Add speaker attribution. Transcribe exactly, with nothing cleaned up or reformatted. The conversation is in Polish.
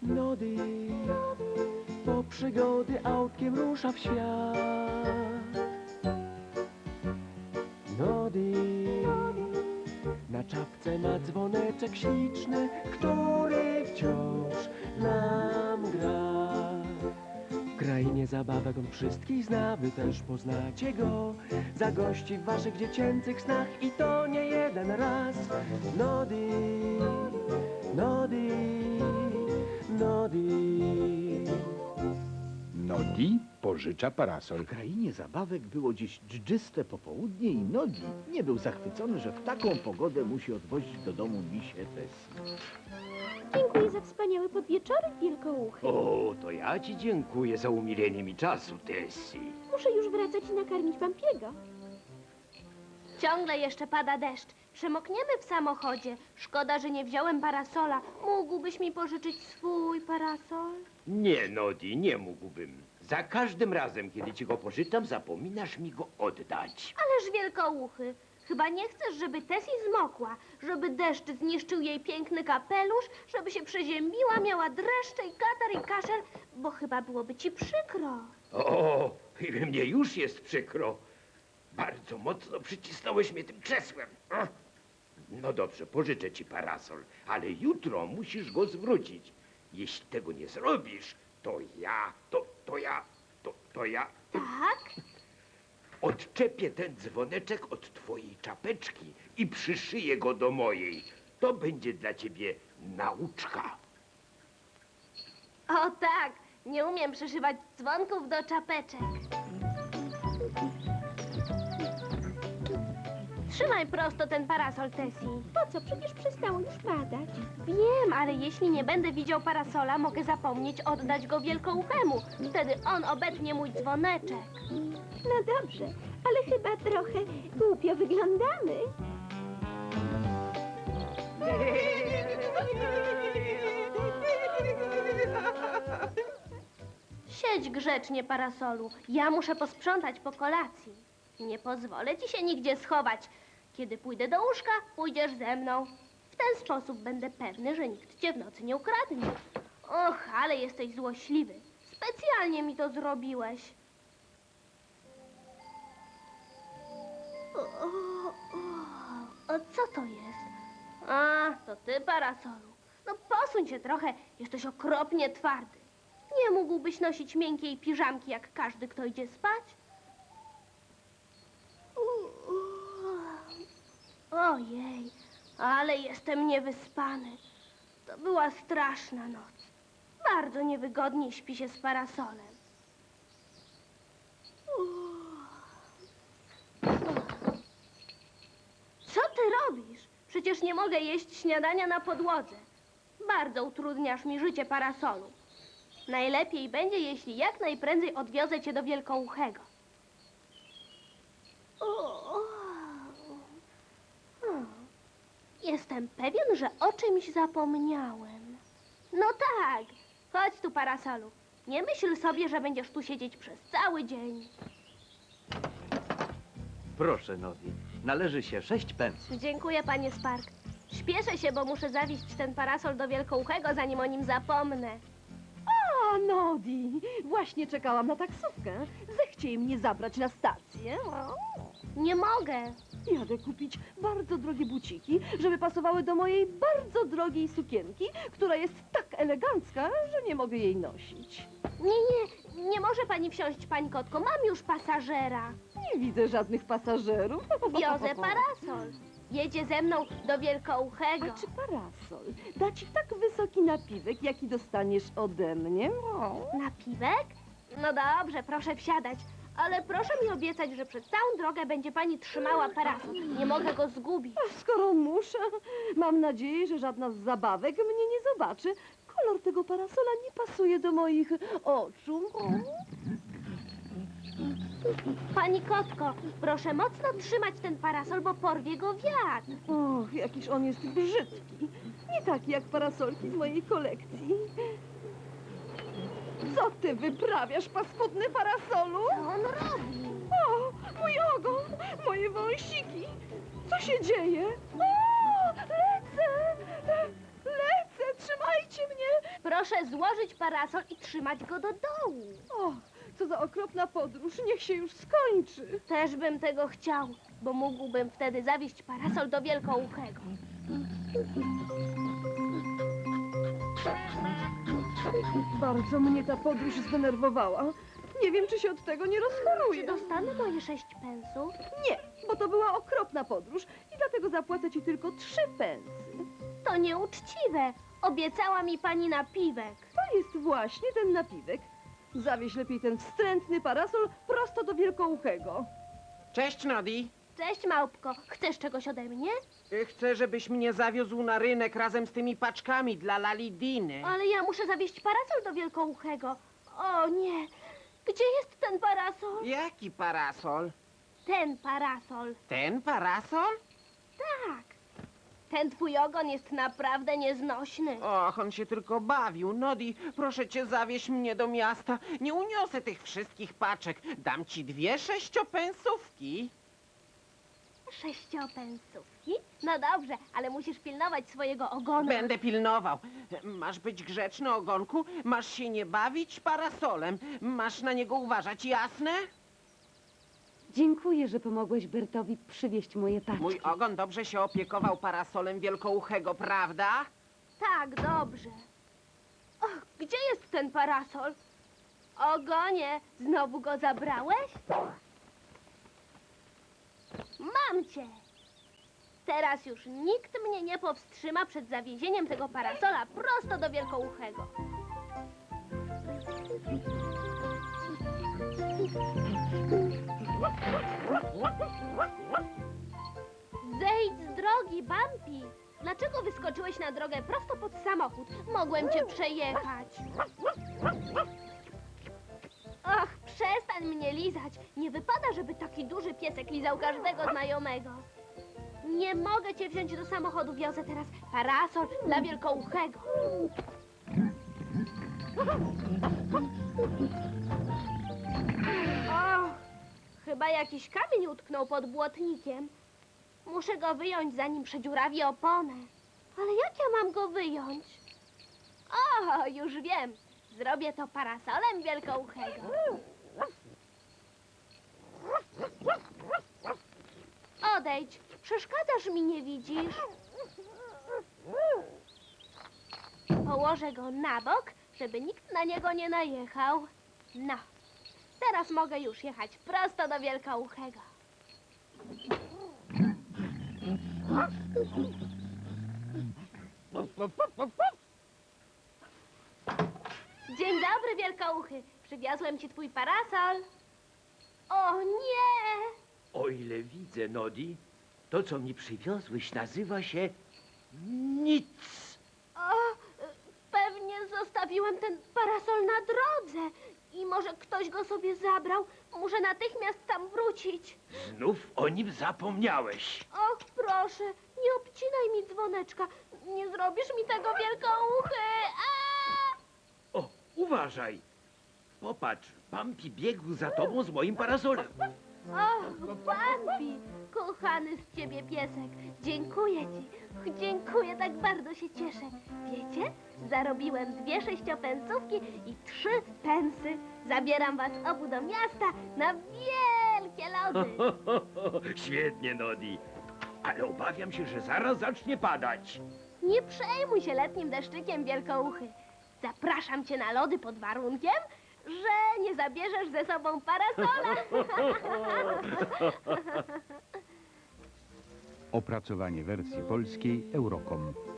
Speaker 1: Nodi, po przygody autkiem rusza w świat. Nodi, na czapce ma dzwoneczek śliczny, który wciąż nam gra. W krainie zabawek on wszystkich zna, wy też poznacie go. Zagości w waszych dziecięcych snach i to nie jeden raz. Nodi, Nodi, Nodi.
Speaker 2: Nodi pożycza parasol.
Speaker 3: W krainie zabawek było dziś dżdżyste popołudnie i Nodi nie był zachwycony, że w taką pogodę musi odwozić do domu misię Tessie.
Speaker 4: Dziękuję za wspaniały podwieczorek, wielkouchy.
Speaker 5: O, to ja ci dziękuję za umilenie mi czasu, Tessie.
Speaker 4: Muszę już wracać i nakarmić Pampiego.
Speaker 6: Ciągle jeszcze pada deszcz. Przemokniemy w samochodzie. Szkoda, że nie wziąłem parasola. Mógłbyś mi pożyczyć swój parasol?
Speaker 5: Nie, Nodi, nie mógłbym. Za każdym razem, kiedy ci go pożyczam, zapominasz mi go oddać.
Speaker 6: Ależ wielkouchy, chyba nie chcesz, żeby Tessie zmokła, żeby deszcz zniszczył jej piękny kapelusz, żeby się przeziębiła, miała dreszcze i katar i kaszel, bo chyba byłoby ci przykro.
Speaker 5: O, i mnie już jest przykro. Bardzo mocno przycisnąłeś mnie tym krzesłem. Ach. No dobrze, pożyczę ci parasol, ale jutro musisz go zwrócić. Jeśli tego nie zrobisz, to ja, to, to ja, to, to ja...
Speaker 6: Tak?
Speaker 5: Odczepię ten dzwoneczek od twojej czapeczki i przyszyję go do mojej. To będzie dla ciebie nauczka.
Speaker 6: O tak, nie umiem przyszywać dzwonków do czapeczek. Trzymaj prosto ten parasol, Tessie.
Speaker 4: Po co? Przecież przestało już padać.
Speaker 6: Wiem, ale jeśli nie będę widział parasola, mogę zapomnieć oddać go wielkouchemu. Wtedy on obetnie mój dzwoneczek.
Speaker 4: No dobrze, ale chyba trochę głupio wyglądamy.
Speaker 6: Siedź grzecznie, parasolu. Ja muszę posprzątać po kolacji. Nie pozwolę ci się nigdzie schować. Kiedy pójdę do łóżka, pójdziesz ze mną. W ten sposób będę pewny, że nikt cię w nocy nie ukradnie. Och, ale jesteś złośliwy. Specjalnie mi to zrobiłeś. O, o, o, o co to jest? A, to ty, parasolu. No posuń się trochę, jesteś okropnie twardy. Nie mógłbyś nosić miękkiej piżamki, jak każdy, kto idzie spać? Ojej, ale jestem niewyspany. To była straszna noc. Bardzo niewygodnie śpi się z parasolem. Co ty robisz? Przecież nie mogę jeść śniadania na podłodze. Bardzo utrudniasz mi życie, parasolu. Najlepiej będzie, jeśli jak najprędzej odwiozę cię do Wielkouchego. Jestem pewien, że o czymś zapomniałem. No tak, chodź tu, parasolu. Nie myśl sobie, że będziesz tu siedzieć przez cały dzień.
Speaker 3: Proszę, Nodi, należy się sześć pensów.
Speaker 6: Dziękuję, panie Spark. Śpieszę się, bo muszę zawieźć ten parasol do Wielkouchego, zanim o nim zapomnę.
Speaker 7: A, Nodi, właśnie czekałam na taksówkę. Zechciej mnie zabrać na stację.
Speaker 6: Nie mogę.
Speaker 7: Jadę kupić bardzo drogie buciki, żeby pasowały do mojej bardzo drogiej sukienki, która jest tak elegancka, że nie mogę jej nosić.
Speaker 6: Nie, nie, nie może pani wsiąść, pani kotko. Mam już pasażera.
Speaker 7: Nie widzę żadnych pasażerów.
Speaker 6: Wiozę parasol. Jedzie ze mną do Wielkouchego.
Speaker 7: A czy parasol da ci tak wysoki napiwek, jaki dostaniesz ode mnie?
Speaker 6: Napiwek? No dobrze, proszę wsiadać. Ale proszę mi obiecać, że przez całą drogę będzie pani trzymała parasol. Nie mogę go zgubić.
Speaker 7: A skoro muszę, mam nadzieję, że żadna z zabawek mnie nie zobaczy. Kolor tego parasola nie pasuje do moich oczu.
Speaker 6: Pani kotko, proszę mocno trzymać ten parasol, bo porwie go wiatr.
Speaker 7: Och, jakiż on jest brzydki. Nie taki jak parasolki z mojej kolekcji. Co ty wyprawiasz, paskudny parasolu?
Speaker 6: Co on robi?
Speaker 7: O, mój ogon, moje wąsiki. Co się dzieje? O, lecę! Le- Lecę, trzymajcie mnie!
Speaker 6: Proszę Proszę złożyć parasol i trzymać go do dołu.
Speaker 7: O, co za okropna podróż, niech się już skończy.
Speaker 6: Też bym tego chciał, bo mógłbym wtedy zawieźć parasol do Wielkouchego.
Speaker 7: Bardzo mnie ta podróż zdenerwowała. Nie wiem, czy się od tego nie
Speaker 6: Czy
Speaker 7: rozchoruję.
Speaker 6: dostanę moje sześć pensów?
Speaker 7: Nie, bo to była okropna podróż i dlatego zapłacę ci tylko trzy pensy.
Speaker 6: To nieuczciwe. Obiecała mi pani napiwek.
Speaker 7: To jest właśnie ten napiwek. Zawieź lepiej ten wstrętny parasol prosto do Wielkouchego.
Speaker 8: Cześć, Nodi.
Speaker 6: Cześć, małpko. Chcesz czegoś ode mnie?
Speaker 8: Chcę, żebyś mnie zawiózł na rynek razem z tymi paczkami dla Lalidiny.
Speaker 6: Ale ja muszę zawieźć parasol do Wielkouchego. O nie. Gdzie jest ten parasol?
Speaker 8: Jaki parasol?
Speaker 6: Ten parasol.
Speaker 8: Ten parasol?
Speaker 6: Tak. Ten twój ogon jest naprawdę nieznośny.
Speaker 8: Och, on się tylko bawił. Nodi, proszę cię, zawieź mnie do miasta. Nie uniosę tych wszystkich paczek. Dam ci dwie sześciopensówki.
Speaker 6: Sześciopensówki? No dobrze, ale musisz pilnować swojego ogona.
Speaker 8: Będę pilnował. Masz być grzeczny, ogonku. Masz się nie bawić parasolem. Masz na niego uważać, jasne?
Speaker 9: Dziękuję, że pomogłeś Bertowi przywieźć moje paczki.
Speaker 8: Mój ogon dobrze się opiekował parasolem Wielkouchego, prawda?
Speaker 6: Tak, dobrze. Och, gdzie jest ten parasol? Ogonie, znowu go zabrałeś? Mam cię! Teraz już nikt mnie nie powstrzyma przed zawiezieniem tego parasola prosto do Wielkouchego. Zejdź z drogi, Bampi! Dlaczego wyskoczyłeś na drogę prosto pod samochód? Mogłem cię przejechać. Och, przestań mnie lizać. Nie wypada, żeby taki duży piesek lizał każdego znajomego. Nie mogę cię wziąć do samochodu. Wiozę teraz parasol dla Wielkouchego. Och, chyba jakiś kamień utknął pod błotnikiem. Muszę go wyjąć, zanim przedziurawi oponę. Ale jak ja mam go wyjąć? O, już wiem. Zrobię to parasolem Wielkouchego. Odejdź. Przeszkadzasz mi, nie widzisz? Położę go na bok, żeby nikt na niego nie najechał. No, teraz mogę już jechać prosto do Wielkouchego. Dzień dobry, Wielkouchy. Przywiozłem ci twój parasol. O nie!
Speaker 5: O ile widzę, Nodi, to co mi przywiozłeś nazywa się nic.
Speaker 6: O, pewnie zostawiłem ten parasol na drodze i może ktoś go sobie zabrał. Muszę natychmiast tam wrócić.
Speaker 5: Znów o nim zapomniałeś.
Speaker 6: Och, proszę, nie obcinaj mi dzwoneczka. Nie zrobisz mi tego, Wielkouchy. A!
Speaker 5: O, uważaj. Popatrz, Bampi biegł za tobą z moim parasolem.
Speaker 6: Och, Bambi, kochany z ciebie piesek, dziękuję ci. Dziękuję, tak bardzo się cieszę. Wiecie, zarobiłem dwie sześciopensówki i trzy pensy. Zabieram was obu do miasta na wielkie lody.
Speaker 5: Świetnie, Nodi. Ale obawiam się, że zaraz zacznie padać.
Speaker 6: Nie przejmuj się letnim deszczykiem, Wielkouchy. Zapraszam cię na lody pod warunkiem, że nie zabierzesz ze sobą parasola.
Speaker 2: Opracowanie wersji polskiej Eurocom.